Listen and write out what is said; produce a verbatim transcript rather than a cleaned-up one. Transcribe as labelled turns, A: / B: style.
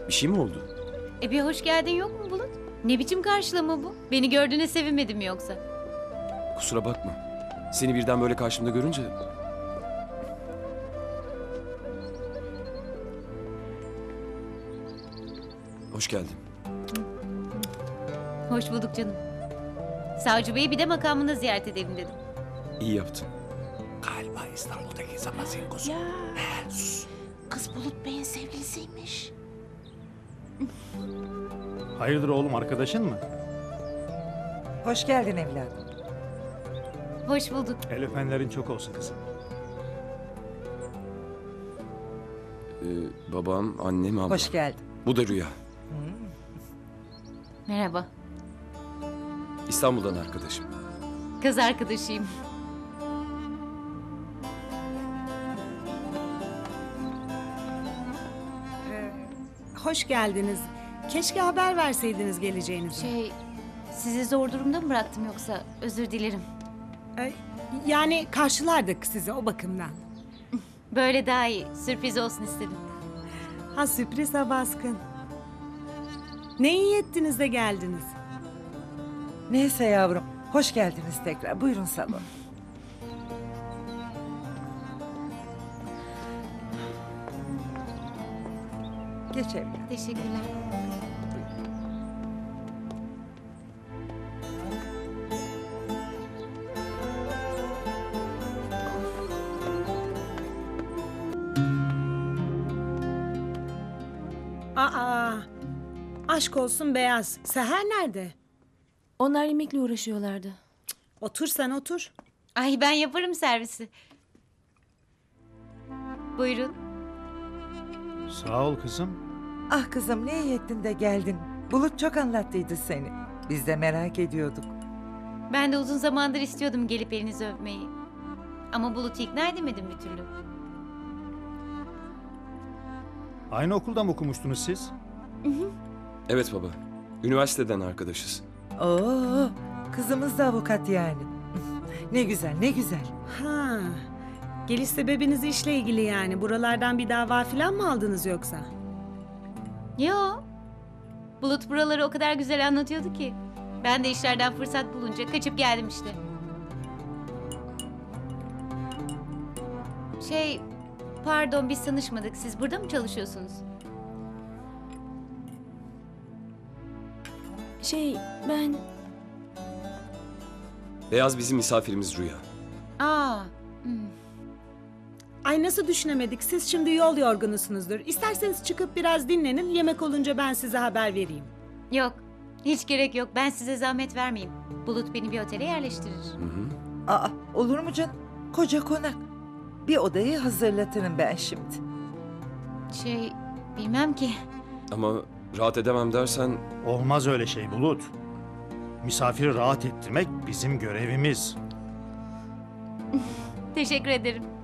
A: Bir şey mi oldu?
B: E bir hoş geldin yok mu Bulut? Ne biçim karşılama bu? Beni gördüğüne sevinmedin mi yoksa?
A: Kusura bakma. Seni birden böyle karşımda görünce... Hoş geldin.
B: Hoş bulduk canım. Savcı Bey'i bir de makamında ziyaret edelim dedim.
A: İyi yaptın.
C: Galiba İstanbul'daki Zamazingosu.
D: Ya.
C: He, sus.
D: Kız Bulut Bey'in sevgilisiymiş.
E: Hayırdır oğlum, arkadaşın mı?
F: Hoş geldin evladım.
B: Hoş bulduk.
E: El öpenlerin çok olsun kızım.
A: Ee, babam, annem, ablam.
F: Hoş geldin.
A: Bu da Rüya.
B: Merhaba.
A: İstanbul'dan arkadaşım.
B: Kız arkadaşıyım.
G: Hoş geldiniz. Keşke haber verseydiniz geleceğinizi.
B: Şey, sizi zor durumda mı bıraktım yoksa? Özür dilerim.
G: Ee, yani karşılardık sizi o bakımdan.
B: Böyle daha iyi. Sürpriz olsun istedim.
G: Ha sürpriz ha baskın. Ne iyi ettiniz de geldiniz.
F: Neyse yavrum, hoş geldiniz tekrar. Buyurun salon. Geç evladım.
B: Teşekkürler.
G: Aa, aşk olsun Beyaz. Seher nerede?
D: Onlar yemekle uğraşıyorlardı.
G: Otur sen otur.
B: Ay ben yaparım servisi. Buyurun.
E: Sağ ol kızım.
F: Ah kızım, ne iyi ettin de geldin. Bulut çok anlattıydı seni. Biz de merak ediyorduk.
B: Ben de uzun zamandır istiyordum gelip elinizi öpmeyi. Ama Bulut'u ikna edemedim bir türlü.
E: Aynı okulda mı okumuştunuz siz?
A: Evet baba. Üniversiteden arkadaşız.
F: Oo, kızımız da avukat yani. Ne güzel, ne güzel.
G: Ha. Geliş sebebiniz işle ilgili yani. Buralardan bir dava falan mı aldınız yoksa?
B: Yo. Bulut buraları o kadar güzel anlatıyordu ki. Ben de işlerden fırsat bulunca kaçıp geldim işte. Şey, pardon biz tanışmadık. Siz burada mı çalışıyorsunuz?
D: Şey, ben...
A: Beyaz bizim misafirimiz Rüya.
B: Aa, hmm.
G: Ay nasıl düşünemedik? Siz şimdi yol yorgunusunuzdur. İsterseniz çıkıp biraz dinlenin. Yemek olunca ben size haber vereyim.
B: Yok. Hiç gerek yok. Ben size zahmet vermeyeyim. Bulut beni bir otele yerleştirir.
A: Hı hı.
F: Aa, olur mu canım? Koca konak. Bir odayı hazırlatırım ben şimdi.
B: Şey, bilmem ki.
A: Ama rahat edemem dersen...
E: Olmaz öyle şey Bulut. Misafiri rahat ettirmek bizim görevimiz.
B: Teşekkür ederim.